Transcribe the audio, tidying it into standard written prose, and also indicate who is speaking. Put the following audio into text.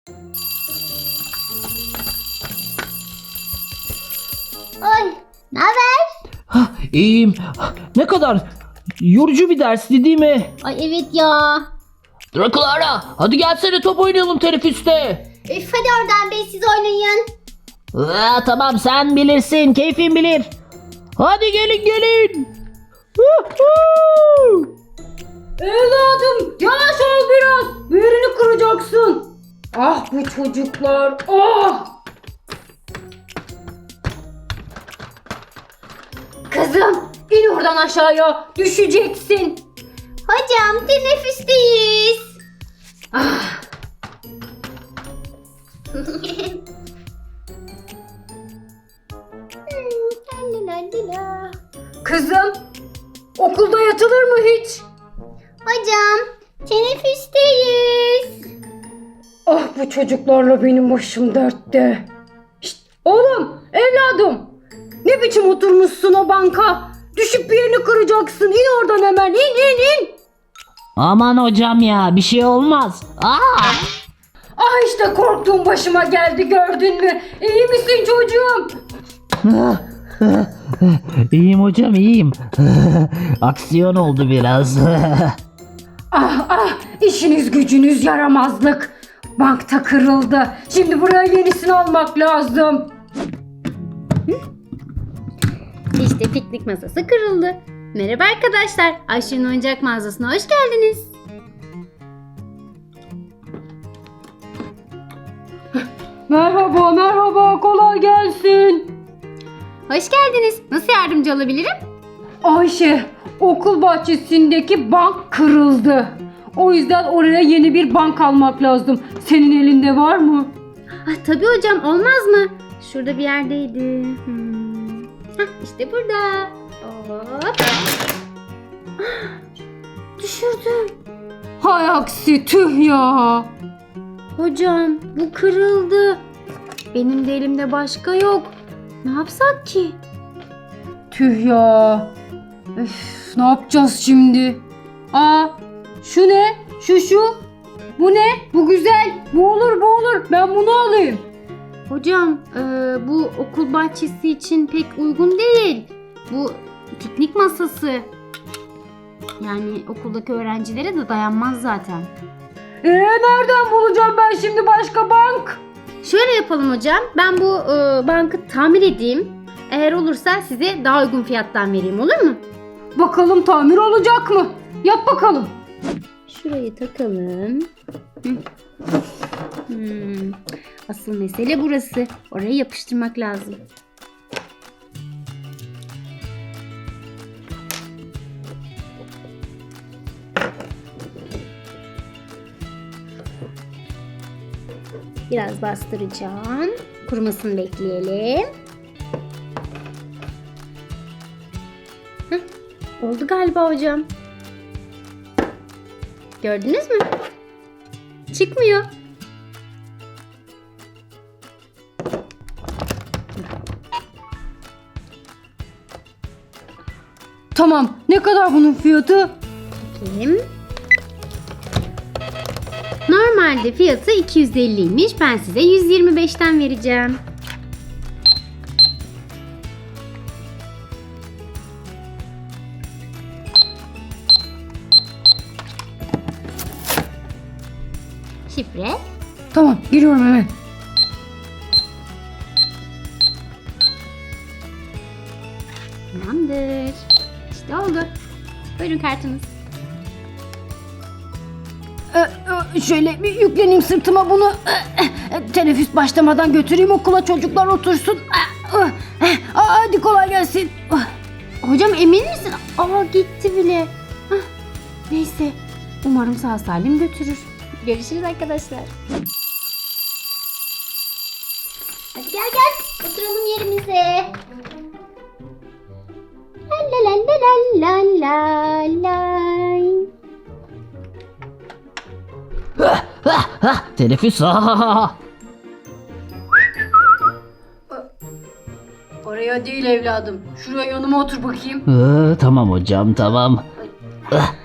Speaker 1: Oy, ne haber?
Speaker 2: İyiyim. Ne kadar yorucu bir dersti değil mi?
Speaker 1: Ay evet ya.
Speaker 2: Drakulara, hadi gelsene top oynayalım teneffüste.
Speaker 1: Üf hadi oradan be, siz oynayın.
Speaker 2: Tamam, sen bilirsin, keyfin bilir. Hadi gelin.
Speaker 3: Evladım yavaş ol biraz. Bir yerini kıracaksın. Ah bu çocuklar. Ah. Kızım in oradan aşağıya. Düşeceksin.
Speaker 1: Hocam teneffüsteyiz.
Speaker 3: Ah.
Speaker 1: Lalalala.
Speaker 3: Kızım okulda yatılır mı hiç?
Speaker 1: Hocam teneffüsteyiz.
Speaker 3: Ah bu çocuklarla benim başım dertte. Şşt, oğlum evladım. Ne biçim oturmuşsun o banka? Düşüp bir yerini kıracaksın. İn oradan hemen. İn.
Speaker 2: Aman hocam ya, bir şey olmaz.
Speaker 3: Ah işte korktuğum başıma geldi, gördün mü? İyi misin çocuğum?
Speaker 2: İyiyim hocam, iyiyim. Aksiyon oldu biraz.
Speaker 3: Ah işiniz gücünüz yaramazlık. Bankta kırıldı. Şimdi buraya yenisini almak lazım.
Speaker 1: İşte piknik masası kırıldı. Merhaba arkadaşlar. Ayşe'nin oyuncak mağazasına hoş geldiniz.
Speaker 3: Merhaba, kolay gelsin.
Speaker 1: Hoş geldiniz. Nasıl yardımcı olabilirim?
Speaker 3: Ayşe, okul bahçesindeki bank kırıldı. O yüzden oraya yeni bir bank almak lazım. Senin elinde var mı?
Speaker 1: Tabii hocam, olmaz mı? Şurada bir yerdeydi. İşte burada. Hop. Düşürdüm.
Speaker 3: Hay aksi, tüh ya.
Speaker 1: Hocam bu kırıldı. Benim de elimde başka yok. Ne yapsak ki?
Speaker 3: Tüh ya. Üf, ne yapacağız şimdi? Şu ne? Şu. Bu ne? Bu güzel. Bu olur. Ben bunu alayım.
Speaker 1: Hocam bu okul bahçesi için pek uygun değil. Bu piknik masası. Yani okuldaki öğrencilere de dayanmaz zaten.
Speaker 3: Nereden bulacağım ben şimdi başka bank?
Speaker 1: Şöyle yapalım hocam. Ben bu bankı tamir edeyim. Eğer olursa size daha uygun fiyattan vereyim, olur mu?
Speaker 3: Bakalım tamir olacak mı? Yap bakalım.
Speaker 1: Şurayı takalım. Asıl mesele burası. Orayı yapıştırmak lazım. Biraz bastıracağım. Kurumasını bekleyelim. Oldu galiba hocam. Gördünüz mü? Çıkmıyor.
Speaker 3: Tamam. Ne kadar bunun fiyatı?
Speaker 1: Bakayım. Normalde fiyatı 250'ymiş. Ben size 125'ten vereceğim. Şifre.
Speaker 3: Tamam. Giriyorum hemen.
Speaker 1: Tamamdır. İşte oldu. Buyurun kartınız.
Speaker 3: Şöyle bir yükleneyim sırtıma bunu. Teneffüs başlamadan götüreyim okula, çocuklar otursun. Hadi kolay gelsin.
Speaker 1: Hocam emin misin? Gitti bile. Neyse. Umarım sağ salim götürür. Görüşürüz arkadaşlar. Hadi gel. Oturalım yerimize. La la la la la la.
Speaker 2: Teneffüs.
Speaker 3: Oraya değil evladım. Şuraya yanıma otur bakayım.
Speaker 2: Tamam hocam, tamam.